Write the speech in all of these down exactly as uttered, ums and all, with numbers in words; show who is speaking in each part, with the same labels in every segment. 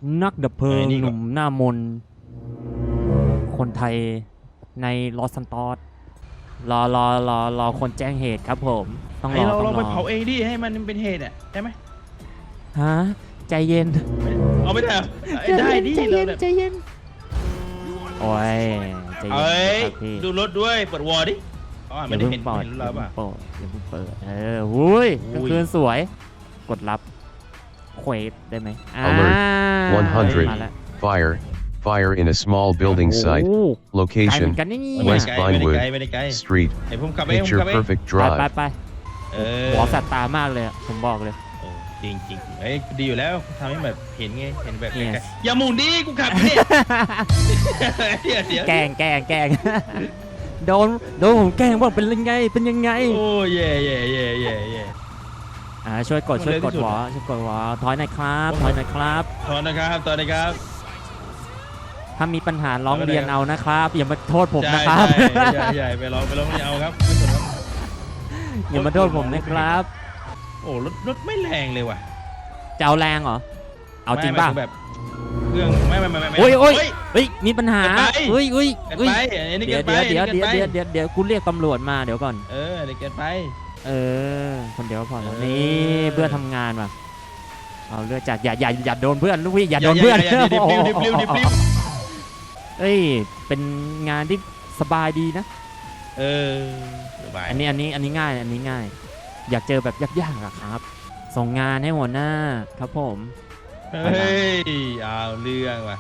Speaker 1: นักดับเพลิงหนุ่มหน้ามนคนไทยในลอสซันตอสรอรอรอรอคนแจ้งเหตุครับผมต้องรอ
Speaker 2: เรา
Speaker 1: ต้องรอ
Speaker 2: ไปเผาเองดิให้มันเป็นเหตุอ่ะใช่ไหม
Speaker 1: ฮะใจเย็น
Speaker 2: เอาไม่ได้ได้ดิใจเย็น
Speaker 1: ใจเย็นโอ้ยใจเย็น
Speaker 2: เอ้ย
Speaker 1: พี่
Speaker 2: ดูรถด้วยเปิดวอร์ดิอ๋อ
Speaker 1: อ
Speaker 2: ไม่
Speaker 1: ย่า
Speaker 2: ได้
Speaker 1: เพิ่ง
Speaker 2: เห็น
Speaker 1: เปิด
Speaker 2: เห็น
Speaker 1: อ
Speaker 2: เรา
Speaker 1: ย่าเพิ่
Speaker 2: ป่ะ
Speaker 1: งเปิดอย่าเพิ่งเปิดเออหุ้ยกลางคืนสวยกดรับเควสได้ไหม
Speaker 3: Alert one hundred
Speaker 1: มาแล้ว
Speaker 3: Fire Fire in a small building site
Speaker 1: โอ้
Speaker 3: Location
Speaker 1: ไกลเหมือนกันนี่
Speaker 3: West
Speaker 2: ไม่ได้
Speaker 3: Vinewood
Speaker 2: ไกลไม่ได้ไกล
Speaker 3: Street
Speaker 2: ไอ้ผมขับเองผม
Speaker 3: Picture
Speaker 2: ขับเอง
Speaker 3: Perfect
Speaker 1: ไป
Speaker 3: Drive
Speaker 1: ไปไป
Speaker 2: เออ
Speaker 1: หัวสัตว์ตามากเลยอะผมบอกเลย
Speaker 2: โอ้จริงจริงเอ้ยดีอยู่แล้วทำให้แบบเห็นไงเห็นแบบ
Speaker 1: Yes
Speaker 2: ไกลๆอย่าหมุนดิกูขับเนี่ยเดี๋ยวเดี๋ยว
Speaker 1: แกล้งแกล้งแกล้งโดนโดนผมแกล้งว่าเป็นยังไงเป็นยังไง
Speaker 2: โอ้เย่เย่เย่เย่เย่
Speaker 1: อ่าช่วยกด
Speaker 2: มัน
Speaker 1: ช่วย
Speaker 2: เร็ว
Speaker 1: ก
Speaker 2: ที่
Speaker 1: ด
Speaker 2: สุด
Speaker 1: หัวช่วยกดหัวถอยหน่อยครับถอยหน่อยครับ
Speaker 2: ตอนนะครับตอนนะครับ
Speaker 1: ถ้ามีปัญหาร้องเรียนเอานะครับอย่ามาโทษผม
Speaker 2: ใช่
Speaker 1: นะครับ
Speaker 2: ใช่ใช่ใช่ไปลองไปลองไม่เอาครับไม่สนครับ
Speaker 1: อย่ามาโทษผมนะครับ
Speaker 2: โอ้รถรถไม่แรงเลยว่ะ
Speaker 1: จะเอาแรงเหรอเอาจริงป่ะ
Speaker 2: ไม่ไม่แบบเครื่องไม่ไม่ไม่ไม่
Speaker 1: โอ้ยโอ้ย
Speaker 2: เฮ้ย
Speaker 1: เฮ้ยมีปัญหา
Speaker 2: เกินไป
Speaker 1: เฮ้ยเฮ้ย
Speaker 2: เกิน
Speaker 1: เฮ้ย
Speaker 2: ไปอันนี้
Speaker 1: เดี๋
Speaker 2: เกิ
Speaker 1: ยวน
Speaker 2: ไป
Speaker 1: เดี๋ยวเดี๋ยว
Speaker 2: อัน
Speaker 1: เดี๋
Speaker 2: นี้
Speaker 1: ยว
Speaker 2: กินไป
Speaker 1: เดี๋ยวเดี๋ยวเดี๋ยวกูเรียกตำรวจมาเดี๋ยวก่อน
Speaker 2: เอออันนี้เกินไป
Speaker 1: เออคนเดียวพอแล้ว
Speaker 2: เออ
Speaker 1: นี่เพื่อนทำงานว่ะเอาเลือดจัดอย่าอย่าอย่าโดนเพื่อนลูกพี่อย่าโดนเพื่อน
Speaker 2: อย่าอย่าอย่าดิบลิ้วดิบลิ้วดิบลิ้ว
Speaker 1: เอ้ยเป็นงานที่สบายดีนะ
Speaker 2: เออสบาย
Speaker 1: อันนี้อันนี้อันนี้ง่ายอันนี้ง่าย อยากเจอแบบยากๆอะครับ ส่งงานให้หัวหน้าครับผม
Speaker 2: เฮ้ยเอาเรื่องว่ะ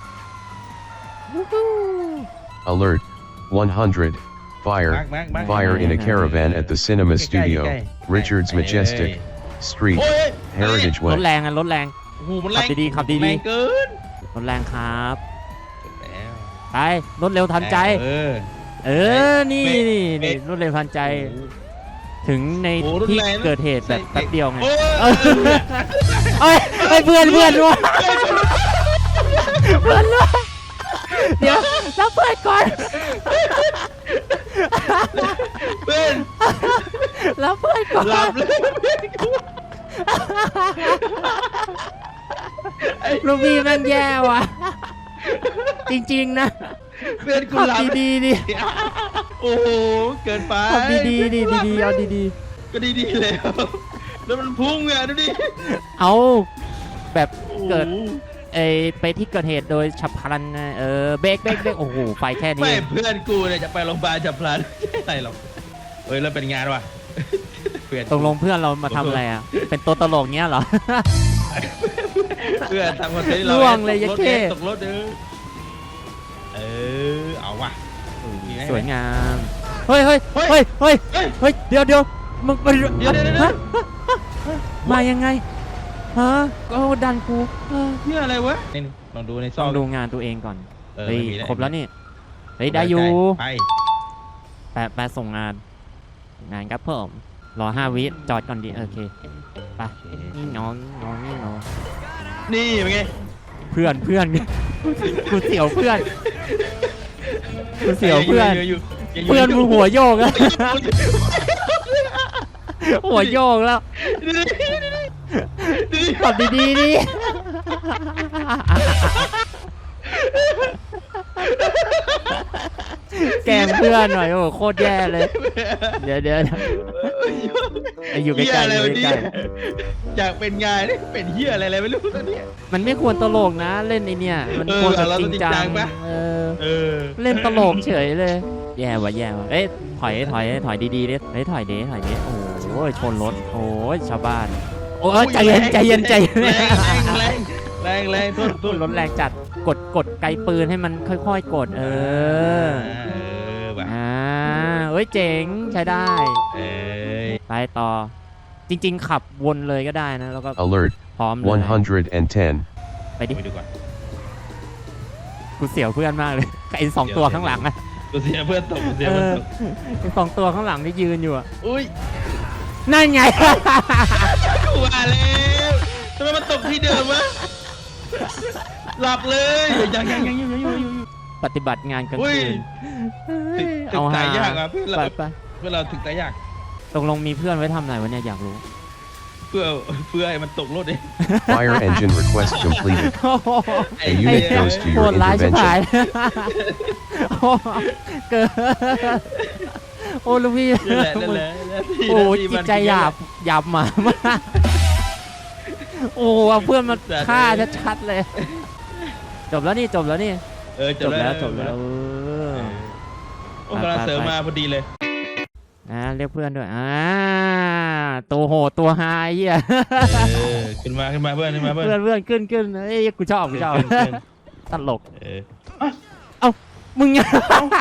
Speaker 3: Alert one hundred Fire
Speaker 2: มาร์คมาร์คมาร์ค
Speaker 3: Fire in a caravan at the cinema
Speaker 2: ใกล้ๆ
Speaker 3: studio
Speaker 2: ใกล้ๆ
Speaker 3: Richards
Speaker 2: เอ้ย
Speaker 3: Majestic Street
Speaker 2: โอ้ย
Speaker 3: Heritage
Speaker 1: รถ
Speaker 3: Way
Speaker 1: แรงอะรถแรง
Speaker 2: โอ้โหมันแรง
Speaker 1: ขับดีๆขับดีๆ
Speaker 2: แรงเกิน
Speaker 1: รถแรงครับ
Speaker 2: แล้ว
Speaker 1: ไปรถเร็วทันใจ
Speaker 2: เออ
Speaker 1: เออนี่
Speaker 2: เบรก
Speaker 1: นี่
Speaker 2: เบร
Speaker 1: นี่
Speaker 2: ก
Speaker 1: รถเร็วทันใจ ถึงใน
Speaker 2: โอ้รถ
Speaker 1: ที่
Speaker 2: แรงนะ
Speaker 1: เกิดเหตุแบบแป๊บเดียวไง
Speaker 2: โอ้ย
Speaker 1: เออเอ้ยเอ้ยเพื่อนเพื่อนวะเพื่อนวะเดี๋ยวรับเพื่อนก่อน
Speaker 2: เพื่อน
Speaker 1: รับเพื่อนก่อน
Speaker 2: หลับเลยไอ้
Speaker 1: ลูกพี่แม่งแย่ว่ะจริงๆนะ
Speaker 2: เพื่อนกู
Speaker 1: ขับ
Speaker 2: หลับ
Speaker 1: ดีๆดิ
Speaker 2: โอ้โหเกินไป
Speaker 1: ขับดีๆดิดีๆเอาดี
Speaker 2: ก็ดีๆแล้วแล้วมันพุ่งอ่ะดูดิ
Speaker 1: ๆเอาแบบเกิด
Speaker 2: โอ้โห
Speaker 1: เอยไปที่เกิดเหตุโดยฉับพลันนะเออเบรกเบรกเบรกโอ้โหไฟแค่นี้
Speaker 2: ไม่เพื่อนกูเนี่ยจะไปโรงพยาบาลจับพลันไม่อะไรหรอกเฮ้ยแล้วเป็นงานว่ะเพื่อน
Speaker 1: ตกลงเพื่อนเรามาทำอะไรอ่ะ เป็นตัวตลกเงี้ยเหรอ
Speaker 2: เพื่อนทำคอนเทนต์เรา
Speaker 1: ล่วงเลย
Speaker 2: ตกรถ
Speaker 1: ยัดเข้
Speaker 2: ตกรถเด้อเออเอาว่ะมีไหม
Speaker 1: สวยงาม เฮ้ยเฮ้ยเฮ้ยเฮ้ย
Speaker 2: เฮ้ย
Speaker 1: เฮ้ยเดี๋ยวเดี๋ยวมึงไป
Speaker 2: เดี๋ยวเดี๋ยวเดี๋ยว
Speaker 1: ฮะมายังไงฮะก็ดันกูเออ
Speaker 2: เนี่ยอะไรวะนี่ลองดูในซ
Speaker 1: ต้
Speaker 2: อ
Speaker 1: อง งดูงานตัวเองก่อน
Speaker 2: เออ
Speaker 1: เฮ้ย
Speaker 2: ไม่มี
Speaker 1: ครบแล้วนี่เฮ้ยได้อยู่
Speaker 2: ไป
Speaker 1: แปะแปะส่งงาน งานครับผมรอห้าวิจอดก่อนดีโอเคไปนี่น้องน้องนี่น้อง
Speaker 2: นี่เป็นไง
Speaker 1: เพื่อนเพื่อน กูเสียวเพื่อนกูเสียวเพื่อน
Speaker 2: ยังยู่ยังยู่
Speaker 1: เพื่อน
Speaker 2: ยัง
Speaker 1: มึ
Speaker 2: ยู่
Speaker 1: งหัวโยกอะหัวโยกแล้วขับดีๆดิแกล้งเพื่อนหน่อยโอ้โหโคตรแย่เลย เดี๋ยวเดี๋ยวอยู่ใกล้ๆ
Speaker 2: เหี้ยอะไร
Speaker 1: อยู่
Speaker 2: วะ
Speaker 1: ใก
Speaker 2: เนี่
Speaker 1: ล้
Speaker 2: ยอยากเป็นงานนี่เป็นเฮียอะไรอะไรไม่รู้ตอนเนี้ย
Speaker 1: ๆมันไม่ควรตลกนะเล่นไอเนี่ยมัน
Speaker 2: เออ
Speaker 1: ควรแบบ
Speaker 2: เรา
Speaker 1: จ
Speaker 2: ต้
Speaker 1: ริ
Speaker 2: อง
Speaker 1: งจั
Speaker 2: จริงจั
Speaker 1: ง
Speaker 2: งปะ
Speaker 1: เออ
Speaker 2: เออ
Speaker 1: เล่นตลกเฉยเลย แย่ว่ะแย่ว่ะเอ้ยถอยถอยถอยดีๆดิเฮ้ยถอยดิถอยดิโอ้โหชนรถโอ้ยชาวบ้านโอ้ยใจเย็นใจเย็นใจเย็น
Speaker 2: แรงแรงแรงแรงทุ่นทุ่น
Speaker 1: รถแรงจัดกดกดไกลปืนให้มันค่อยๆกดเออ
Speaker 2: เออว่ะ
Speaker 1: อ่าเอ้ยเจ๋งใช้ได้
Speaker 2: เอ้ย
Speaker 1: ไปต่อ จริงๆขับวนเลยก็ได้นะแล้วก็
Speaker 3: Alert
Speaker 1: พร้อมเลย
Speaker 3: one hundred ten
Speaker 1: ไปดิ
Speaker 2: ไปดูก่อน
Speaker 1: กูเสียวเพื่อนมากเลยไอ้สองตัวข้างหลังอะ
Speaker 2: กูเสียเพื่อนตกกูเสีย
Speaker 1: เอ
Speaker 2: เพื่อน
Speaker 1: อ
Speaker 2: ตก
Speaker 1: ไอ้สองตัวข้างหลังที่ยืนอยู่อะ
Speaker 2: อุ้ย
Speaker 1: นั่นไง
Speaker 2: กูว่าแล้วทำไมมันตกที่เดิมวะหลับเลยยังยังยังยังยังยังยัง
Speaker 1: ปฏิบัติงานกลาง
Speaker 2: อุ้ย
Speaker 1: คืน
Speaker 2: ถึงถึงตายยากอะเพื่อนเรา
Speaker 1: ไปไป
Speaker 2: เพื่อนเราถึงตายยาก
Speaker 1: ตกลงมีเพื่อนไว้ทำอะไรวะเนี่ยอยากรู้
Speaker 2: เพื่อเพื่อให้มันตกรถเอง
Speaker 3: Fire engine request completed.
Speaker 1: โอ้โห
Speaker 3: A unit goes to
Speaker 1: โห
Speaker 3: your
Speaker 1: ดร้ายชิบหาย
Speaker 3: intervention.
Speaker 1: โอ้เกินโอ้ลูกพี่
Speaker 2: นั่นแหละนั่นแหละนั่นแหละที่
Speaker 1: โอ้
Speaker 2: นั่นที่
Speaker 1: จิต
Speaker 2: มัน
Speaker 1: ใจหยาบหยาบหมามากโอ้เอาเพื่อนมาฆ่าชัดๆเลย จบแล้วนี่จบแล้วนี่
Speaker 2: เออ
Speaker 1: จบแล้วจบแล้วเออ
Speaker 2: โอ้กำลังเสริมมาพอดีเลย
Speaker 1: นะเรียกเพื่อนด้วยอ่าตัวโหดตัวไฮเหี้ย
Speaker 2: เออขึ้นมาขึ้นมาเพื่อนขึ้นมาเพื่อน
Speaker 1: เพื่อนเพื่อนขึ้นขึ้นเอ้ยกูชอบกูชอบ
Speaker 2: ขึ้นขึ้น
Speaker 1: ตลก
Speaker 2: เออ
Speaker 1: มึงยัง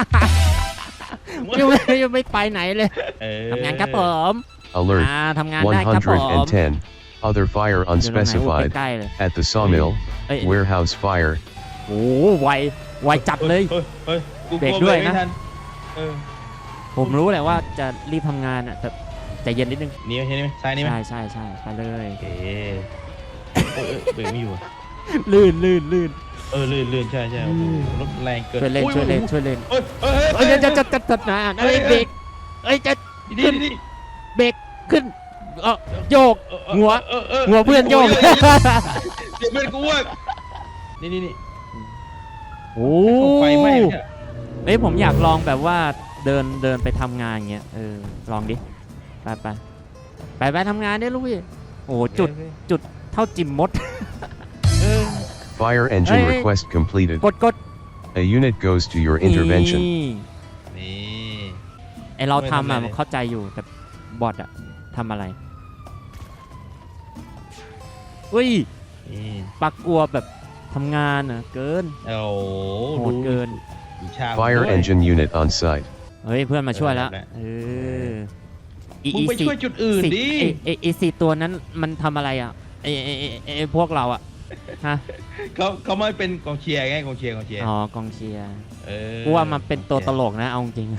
Speaker 1: ยังไม่ยังไม่ไปไหนเลย
Speaker 2: เออ
Speaker 1: ทำงานครับผม
Speaker 3: Alert.
Speaker 1: อ่าทำงานได้ครับผม
Speaker 3: one hundred ten. Other fire
Speaker 1: อยู่ตรงไหนโอ้
Speaker 3: unspecified.
Speaker 1: ใกล้ๆเลย
Speaker 3: At the sawmill.
Speaker 1: เอ้ย
Speaker 3: Warehouse fire.
Speaker 1: โอ้ไวไวจัดเลย
Speaker 2: เฮ้ยเฮ้ยกูก
Speaker 1: เบร
Speaker 2: ลั
Speaker 1: กด้วย
Speaker 2: เบร
Speaker 1: นะ
Speaker 2: ไม่ทัเออ
Speaker 1: ผมรู้แหละว่าจะรีบทำงานอ่ะแต่ใจเย็นนิดนึง
Speaker 2: นี่ไหมเห็นไหมซ้ายนี่ไหม
Speaker 1: ใช่ใช่ใช่ไปเลย
Speaker 2: โอเคเออเออเบรกไม่อยู่อะ
Speaker 1: ลื่นลื่นลื่น
Speaker 2: เออลื่นลื่นใช่ใช่โอ้โหรถแรงเกิน
Speaker 1: ช่วยเล่น
Speaker 2: อุ้
Speaker 1: ช่วยเล่น
Speaker 2: อุ้
Speaker 1: ช่วยเล่น
Speaker 2: เอ้ยเอ้ย
Speaker 1: เอ้ยจะจะจะจะจะนะเอ้ยเบรกเอ้ยจะ
Speaker 2: ดีดีดี
Speaker 1: เบรกขึ้นเออโยก
Speaker 2: เออเออ
Speaker 1: หัว
Speaker 2: เออเออ
Speaker 1: หัวเพื่อนโยก
Speaker 2: เดี๋ยวเพื่อนกูว่านี่นี่นี่
Speaker 1: โอ้
Speaker 2: เข้าไฟไหม้เนี่ย
Speaker 1: เอ้ยผมอยากลองแบบว่าเดินเดินไปทำงานเงี้ยเออลองดิไปไปไปไปทำงานดิลูกพี่โอ้จุดจุดเท่าจิมมด
Speaker 3: Fire engine
Speaker 1: Hey.
Speaker 3: request completed.
Speaker 1: กดกด
Speaker 3: A unit goes to your intervention.
Speaker 1: นี่
Speaker 2: นี่
Speaker 1: ไอเราทำอ่ะ
Speaker 2: ไม่ทำอะไร
Speaker 1: มันเข้าใจอยู่แต่บอทอ่ะทำอะไรอุ้ย
Speaker 2: นี่
Speaker 1: ปักกลัวแบบทำงานอ่ะเกิน
Speaker 2: โอ้โห
Speaker 1: โหดเกิน
Speaker 2: ดูชา
Speaker 3: Fire
Speaker 2: ด้วย
Speaker 3: engine unit on site.
Speaker 1: เฮ้ยเพื่อนมาช่วยแล้ว
Speaker 2: เออ
Speaker 1: เอออี
Speaker 2: มึงไป
Speaker 1: สี่
Speaker 2: ช่วยจุดอื่น
Speaker 1: สี่
Speaker 2: ดิ
Speaker 1: ไอไอไอสี่ตัวนั้นมันทำอะไรอ่ะไอไอไอ้ไอไอพวกเราอ่ะฮะ
Speaker 2: เขาเขาไม่เป็นกองเชียร์ไงกองเชียร์กองเชียร์
Speaker 1: อ๋อกองเชียร์
Speaker 2: เออ
Speaker 1: กูว่ามันเป็นตัวตลกนะเอาจริง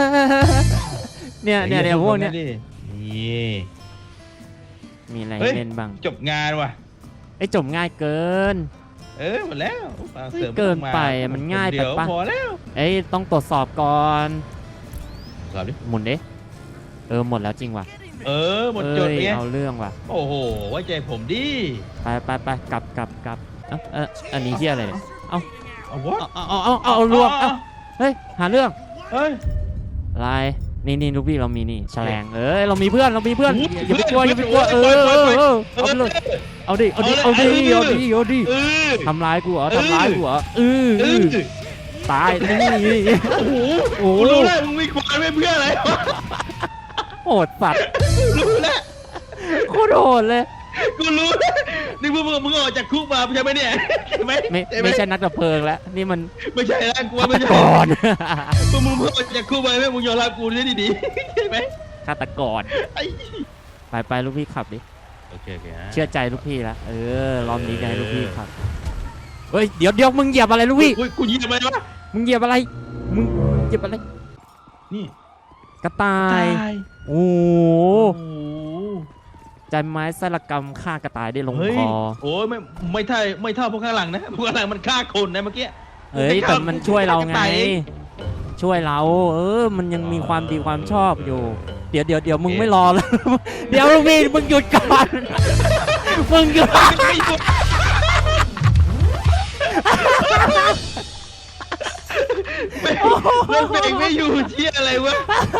Speaker 1: เนี่ยเนี่ยเนี่ยพวกเนี้ย
Speaker 2: นี่
Speaker 1: มีอะไร
Speaker 2: เฮ้ย
Speaker 1: เล่นบ้าง
Speaker 2: จบงานว่ะ
Speaker 1: ไอจบง่ายเกิน
Speaker 2: เออหมดแล้วฟังเสริม
Speaker 1: เกินไป
Speaker 2: า
Speaker 1: มันง่ายไป
Speaker 2: เดี๋ว
Speaker 1: ปะ
Speaker 2: พอแล้ว
Speaker 1: เอ้ยต้องตรวจสอบก่อน
Speaker 2: สอบดิ
Speaker 1: หมุนดิเออหมดแล้วจริงว่ะ
Speaker 2: เออหมด
Speaker 1: เอ้
Speaker 2: จด
Speaker 1: ย
Speaker 2: ไง
Speaker 1: เอาเรื่องว่ะ
Speaker 2: โอ้โหไว้ใจผมดิ
Speaker 1: ไปไปไปกลับกลับกลับเอ้าเอออันนี้เฮียอะไรเนี่ยเอา
Speaker 2: เอาวะ
Speaker 1: เอาเอาเอาเอาเอารวมเอาเฮ้ยหาเรื่อง
Speaker 2: เฮ้ย
Speaker 1: อะไรนี่นี่ลูกพี่เรามีนี่แฉลงเอ้ยเรามีเพื่อนเรามีเพื่อน
Speaker 2: โอ้โห
Speaker 1: อย่าไปกลัวอย่าไปกลัวเออเออเออเอาไปเลยเอาดิเอาดิเอาดิเอาดิเอาดิ
Speaker 2: เออ
Speaker 1: ทำร้ายกูเหรอทำร้ายกูเหรอเออ
Speaker 2: เอ
Speaker 1: เอ
Speaker 2: อ
Speaker 1: อตายนี่
Speaker 2: โอ้โห
Speaker 1: โอ้
Speaker 2: กู
Speaker 1: โห
Speaker 2: รู้แล้วมึงมีควายไม่เพื่ออะไรวะ
Speaker 1: โหดสัตว์
Speaker 2: รู้แล้ว
Speaker 1: โคตรโหดเลย
Speaker 2: กูรู้แล้วนี่มึงมึงมึงออกจากคุกมาใช่ไหมเนี่ยใช่ไหม
Speaker 1: ไม่
Speaker 2: ใช่ห
Speaker 1: ไม่ใช่นักดับเพลิงแล้วนี่มัน
Speaker 2: ไม่ใช่แล้วกูว่าไม่ใช่
Speaker 1: ก่อน
Speaker 2: มึงมึงมึงออกจากคุกมาไหมมึงยอมรับกูได้ดีๆใช่ไหม
Speaker 1: ฆาตกร
Speaker 2: ไอ้
Speaker 1: ไปไปลูกพี่ขับดิ
Speaker 2: โอเคโอเคฮะ
Speaker 1: เชื่อใจลูกพี่ละเออรอบนี้จะให้ลูกพี่ขับเฮ้ยเดี๋ยวเดี๋ยวมึงเหยียบอะไรลูกพี่
Speaker 2: อุ้ยกูยิงทำไมวะ
Speaker 1: มึงเหยียบอะไรมึงเหยียบอะไร
Speaker 2: นี่
Speaker 1: กระต่าย
Speaker 2: ย
Speaker 1: โอ้โห
Speaker 2: โอ้โห
Speaker 1: ใจไม้สารกรรมฆ่ากระต่ายได้ลง
Speaker 2: เฮ้ย
Speaker 1: คอ
Speaker 2: โอ้ยไม่ไม่เท่าไม่เท่าพวกข้างหลังนะพวกข้างหลังมันฆ่าคนนะเมื่อกี้
Speaker 1: เฮ้ยแต่มันช่วยเราไง
Speaker 2: กะต่ยเอ
Speaker 1: ช่วยเรา เออ มันยังมีความดีความชอบอยู่ เดี๋ยวเดี๋ยวเดี๋ยวมึงไม่รอแล้ว เดี๋ยวลูกพี่มึงหยุดก่อน มึงหยุด
Speaker 2: ไม่หยุดไม่แล้วเบรกไม่อยู่เชี่ยอะไรวะ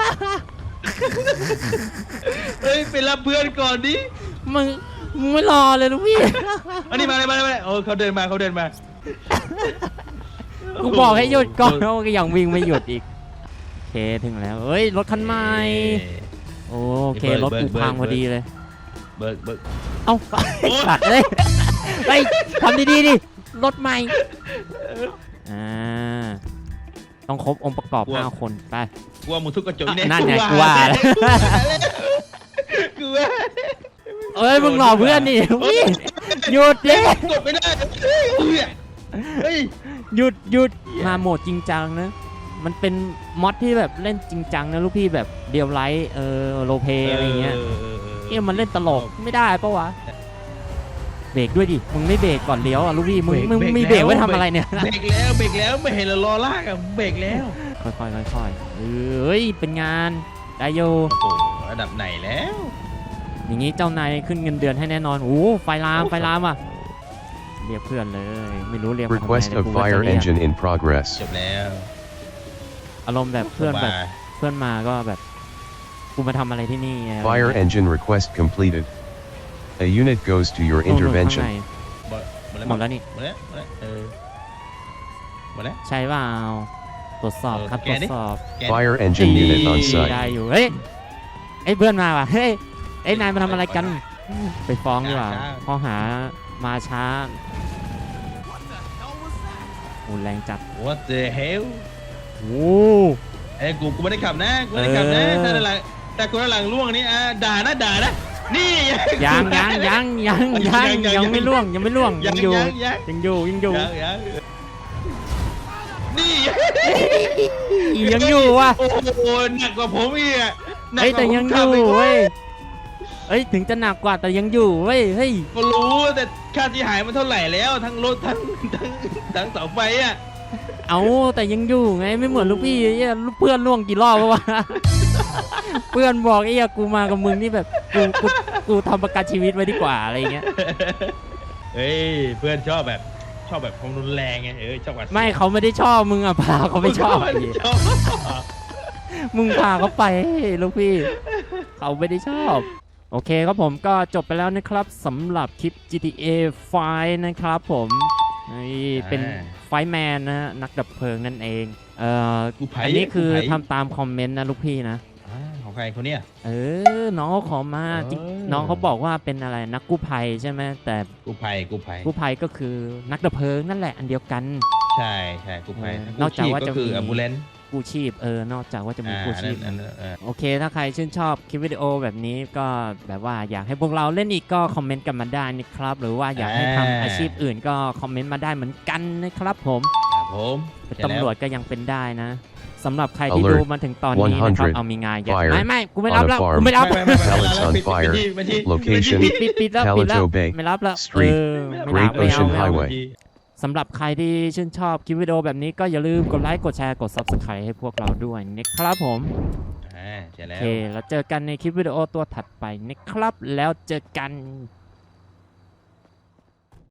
Speaker 2: เฮ้ยไปรับเพื่อนก่อนดิ
Speaker 1: มึงมึงไม่รอเลยลูกพี่
Speaker 2: อันนี้มาเลยมาเลยมาเลยโอ้เขาเดินมาเขาเดินมา
Speaker 1: กูบอกให้หยุดก่อนแล้วก็ยังวิ่งไม่หยุดอีก โอเคถึงแล้ว เฮ้ยรถคันใหม่ โอเครถกูพังพอดีเลย
Speaker 2: เบิกเบิก
Speaker 1: เอ้าไอ้สัตว์เลยเฮ้ยทำดีๆดิรถใหม่อ่าต้องครบองค์ประกอบห้าคนไป
Speaker 2: กลัวหมดทุกกระจก
Speaker 1: อ่ะ
Speaker 2: เนี่ย
Speaker 1: นั่นไงกูว่าแล้ว
Speaker 2: กูว่า
Speaker 1: เอ้ยมึงหลอกเพื่อนนี่พี่หยุดดิ
Speaker 2: กดไม่ได้เฮ้ย
Speaker 1: หยุดหยุดมาโหมดจริงจังนะ มันเป็นมอดที่แบบเล่นจริงจังนะลูกพี่แบบเดียวไลท์เออโรเพอะไรเงี้ยเอ้ยมันเล่นตลกไม่ได้ปะวะเบรกด้วยดิมึงไม่เบรกก่อนเลี้ยวอ่ะลูกพี่มึงมึงมีเบรกไว้ทำอะไรเนี่ย
Speaker 2: เบรกแล้วเบรกแล้วไม่เห็นเรารอลากอะเบรกแล้ว
Speaker 1: ค่อยๆค่อยๆเอ้ยเป็นงานได้โย
Speaker 2: โอ้โหระดับไหนแล้ว
Speaker 1: อย่างนี้เจ้านายขึ้นเงินเดือนให้แน่นอนโอ้ไฟลามไฟลามอ่ะเรียกเพื่อนเลยไม่รู้เรียกมาทำไม
Speaker 3: Request
Speaker 1: แต่
Speaker 3: of
Speaker 1: กูก็จะ
Speaker 3: fire
Speaker 1: เรียก
Speaker 3: engine in progress.
Speaker 2: จบแล้ว
Speaker 1: อารมณ์แบบเพื่อนแบบ
Speaker 2: สบาย
Speaker 1: เพื่อนมาก็แบบกูมาทำอะไรที่นี่อะไร
Speaker 3: Fire
Speaker 1: เงี้ย
Speaker 3: engine request completed. A unit goes to your
Speaker 1: นู่นๆข้างใน
Speaker 3: intervention.
Speaker 2: หมดหมดแล้ว
Speaker 1: หมดแล้วนี่
Speaker 2: หมดแล้วหมดแล้วเออหมดแล้ว
Speaker 1: ใช่เปล่าตรวจสอบ
Speaker 2: เออ
Speaker 1: ครับ
Speaker 2: แก
Speaker 1: ตรวจ
Speaker 2: ดิ
Speaker 1: สอบ
Speaker 2: แก
Speaker 3: Fire engine unit on
Speaker 1: ได้
Speaker 3: site.
Speaker 1: อยู่เฮ้ยไอ้เพื่อนมาว่ะเฮ้ยไอ้นายมาทำอะไรกันไปฟ้องดีกว่าข้อหามาช้าโอ้แรงจัด
Speaker 2: What the hell
Speaker 1: โอ้
Speaker 2: เอ้ยกูกูไม่ได้ขับนะกูไม่ได้ขับนะ
Speaker 1: เออ
Speaker 2: ถ้าด้านหลังแต่กูด้านหลังล่วงนี่อ่ะด่านะด่านะนี่
Speaker 1: ยังยังยังยังยังยังไม่ล่วงยังไม่ล่วง
Speaker 2: ยั
Speaker 1: ยัง งอยู่
Speaker 2: ยังยัง
Speaker 1: ยังอยู่ยังอยู่
Speaker 2: ยังยังนี่
Speaker 1: ยังอยู่ว่ะ
Speaker 2: โอ้โหหนักกว่าผมอีกอะหนัก
Speaker 1: เฮ้ย
Speaker 2: ก
Speaker 1: แต่
Speaker 2: ว่าผม
Speaker 1: ยังอ
Speaker 2: ขับ
Speaker 1: ยู่
Speaker 2: ก
Speaker 1: เว้ยเฮ้ยถึงจะหนักกว่าแต่ยังอยู่เว้ยเฮ้ย
Speaker 2: ก็รู้แต่ค่าที่หายมันเท่าไหร่แล้วทั้งรถทั้งทั้งทั้งเสาไฟอ่ะ
Speaker 1: เอาแต่ยังอยู่ไงไม่เหมือนลูกพี่ไอ้เหี้ยลูกเพื่อนล่วงกี่รอบวะ เพื่อนบอกไอ้เหี้ยกูมากับมึงนี่แบบกูกูกูทำประกันชีวิตไว้ดีกว่าอะไรเงี้ย
Speaker 2: เฮ้ยเพื่อนชอบแบบชอบแบบความรุนแรงไงเออชอบหวาดเสียว
Speaker 1: ไม่เขาไม่ได้ชอบมึงอ่ะพาเขาไม่ชอบไอ้เหี้ย
Speaker 2: ชอบ
Speaker 1: มึงพาเขาไปลูกพี่ เขาไม่ได้ชอบ โอเคครับผมก็จบไปแล้วนะครับสำหรับคลิป จี ที เอ ไฟว์ นะครับผมนี่เป็นไฟแมนนะฮะนักดับเพลิงนั่นเองเอ่อ
Speaker 2: กูไผ่
Speaker 1: อันนี้คือ
Speaker 2: กูไผ่
Speaker 1: ทำตามคอมเมนต์นะลูกพี่นะ
Speaker 2: อ่าของใครคนเนี้ย
Speaker 1: เออ น้องเขาขอมาจริง
Speaker 2: เออ
Speaker 1: น้องเขาบอกว่าเป็นอะไรนักกู้ภัยใช่ไหมแต่
Speaker 2: กูภัยกูภัย
Speaker 1: กู้ภัยก็คือนักดับเพลิงนั่นแหละอันเดียวกัน
Speaker 2: ใช่ใช่กูภัย
Speaker 1: เออนอกจากว่าจะ
Speaker 2: คือ
Speaker 1: มี
Speaker 2: อัมบูเลน
Speaker 1: กู้ชีพเออนอกจากว่าจะมี
Speaker 2: อ่า
Speaker 1: กู้
Speaker 2: อัน
Speaker 1: ชี
Speaker 2: นั้
Speaker 1: พ
Speaker 2: นอันนั้นเออ
Speaker 1: โอเคถ้าใครชื่นชอบคลิปวิดีโอแบบนี้ก็แบบว่าอยากให้พวกเราเล่นอีกก็คอมเมนต์กันมาได้นะครับ หรือว่าอยากให้ทำอาชีพอื่นก็คอมเมนต์มาได้เหมือนกันนะครับผม
Speaker 2: ครับผม
Speaker 1: เป็น
Speaker 2: ใช่แล้
Speaker 1: ตำรวจก็ยังเป็นได้นะสำหรับใครที่
Speaker 3: Alert
Speaker 1: ดูมาถึงตอนนี้นะครับ
Speaker 3: one hundred
Speaker 1: เอามีงานอย่า
Speaker 3: fire
Speaker 1: ไม่ไม่กูไม่รับ
Speaker 3: on a
Speaker 1: แล้ว
Speaker 3: farm
Speaker 1: กูไม่รับ
Speaker 2: ไม่ไม่ไม่
Speaker 3: Pallets on
Speaker 2: ปิด
Speaker 3: fire
Speaker 2: ปิดที่ปิดที่
Speaker 3: Location
Speaker 1: ปิดปิดปิดแล้วปิดแล้ว
Speaker 3: Calajo Bay
Speaker 1: ไม่รับแล้ว
Speaker 3: Street
Speaker 1: เออไม่รับ
Speaker 3: Great
Speaker 1: ไม่เอา
Speaker 3: Ocean
Speaker 1: ไม่เอา
Speaker 3: Highway
Speaker 1: สำหรับใครที่ชื่นชอบคลิปวิดีโอแบบนี้ก็อย่าลืมกดไลค์กดแชร์กด ซับสไครบ์ ให้พวกเราด้วยนะครับผม
Speaker 2: อ่าใช่
Speaker 1: โอ
Speaker 2: แล้ว
Speaker 1: เคแล้วเจอกันในคลิปวิดีโอตัวถัดไปนะครับแล้วเจอกัน